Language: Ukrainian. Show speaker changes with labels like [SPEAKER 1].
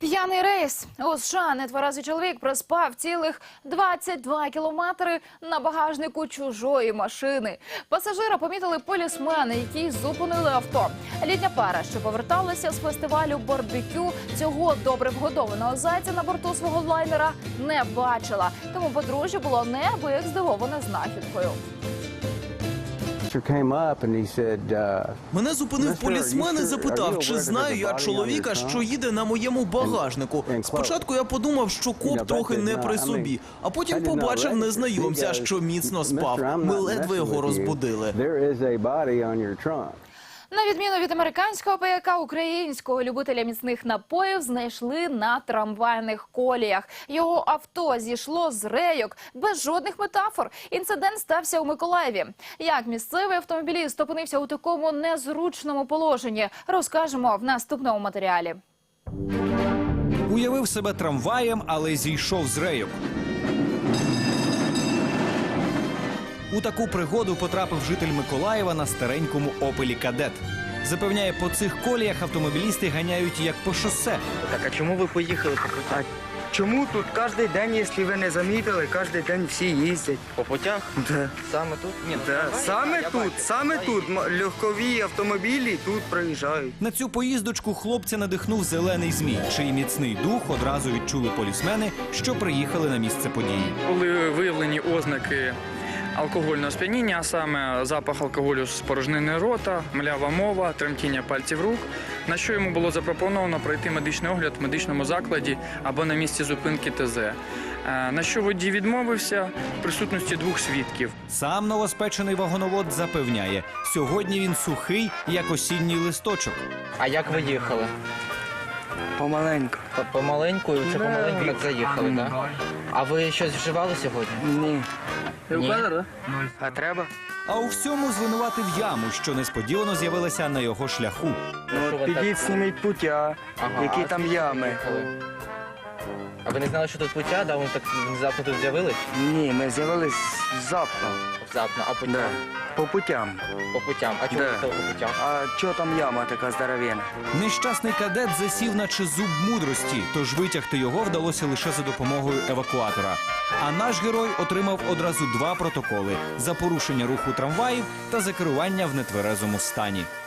[SPEAKER 1] П'яний рейс. У США нетверезий чоловік проспав цілих 22 кілометри на багажнику чужої машини. Пасажира помітили полісмени, які зупинили авто. Літня пара, що поверталася з фестивалю барбекю, цього добре вгодованого зайця на борту свого лайнера не бачила. Тому подружжя було неабияк здивоване знахідкою.
[SPEAKER 2] Мене зупинив полісмен і запитав, чи знаю я чоловіка, що їде на моєму багажнику. Спочатку я подумав, що коп трохи не при собі, а потім побачив незнайомця, що міцно спав. Ми ледве його розбудили.
[SPEAKER 1] На відміну від американського пияка, українського любителя міцних напоїв знайшли на трамвайних коліях. Його авто зійшло з рейок без жодних метафор. Інцидент стався у Миколаєві. Як місцевий автомобіліст опинився у такому незручному положенні, розкажемо в наступному матеріалі.
[SPEAKER 3] Уявив себе трамваєм, але зійшов з рейок. У таку пригоду потрапив житель Миколаєва на старенькому «Опелі Кадет». Запевняє, по цих коліях автомобілісти ганяють як по шосе.
[SPEAKER 4] Так, а чому ви поїхали по путях?
[SPEAKER 5] Чому тут кожен день, якщо ви не замітили, кожен день всі їздять?
[SPEAKER 4] По путях?
[SPEAKER 5] Да.
[SPEAKER 4] Саме тут? Ні,
[SPEAKER 5] Саме тут легкові автомобілі тут проїжджають.
[SPEAKER 3] На цю поїздочку хлопця надихнув зелений змій, чий міцний дух одразу відчули полісмени, що приїхали на місце події.
[SPEAKER 6] Були виявлені ознаки алкогольного сп'яніння, а саме запах алкоголю з порожнини рота, млява мова, тремтіння пальців рук, на що йому було запропоновано пройти медичний огляд в медичному закладі або на місці зупинки ТЗ. На що водій відмовився в присутності двох свідків.
[SPEAKER 3] Сам новоспечений вагоновод запевняє, сьогодні він сухий, як осінній листочок.
[SPEAKER 4] А як ви їхали?
[SPEAKER 5] Помаленьку.
[SPEAKER 4] Помаленьку, це помаленьку так заїхали, так? А ви щось вживали сьогодні?
[SPEAKER 5] Ні.
[SPEAKER 4] Ні.
[SPEAKER 5] А треба?
[SPEAKER 3] А у всьому звинуватив яму, що несподівано з'явилася на його шляху.
[SPEAKER 4] Що ви
[SPEAKER 5] Підіть, зніміть путя,
[SPEAKER 4] Ага,
[SPEAKER 5] які
[SPEAKER 4] а
[SPEAKER 5] там
[SPEAKER 4] звідки
[SPEAKER 5] ями.
[SPEAKER 4] їхали? А ви не знали, що тут путя, да? Вони так внезапно тут з'явились?
[SPEAKER 5] Ні, ми з'явились завтра.
[SPEAKER 4] Внезапно, а путя?
[SPEAKER 5] Да. По путям.
[SPEAKER 4] По путям. А чому
[SPEAKER 5] Да.
[SPEAKER 4] ви їхали по путям?
[SPEAKER 5] А чого там яма така здоровенна?
[SPEAKER 3] Нещасний кадет засів наче зуб мудрості, тож витягти його вдалося лише за допомогою евакуатора. А наш герой отримав одразу 2 протоколи – за порушення руху трамваїв та за керування в нетверезому стані.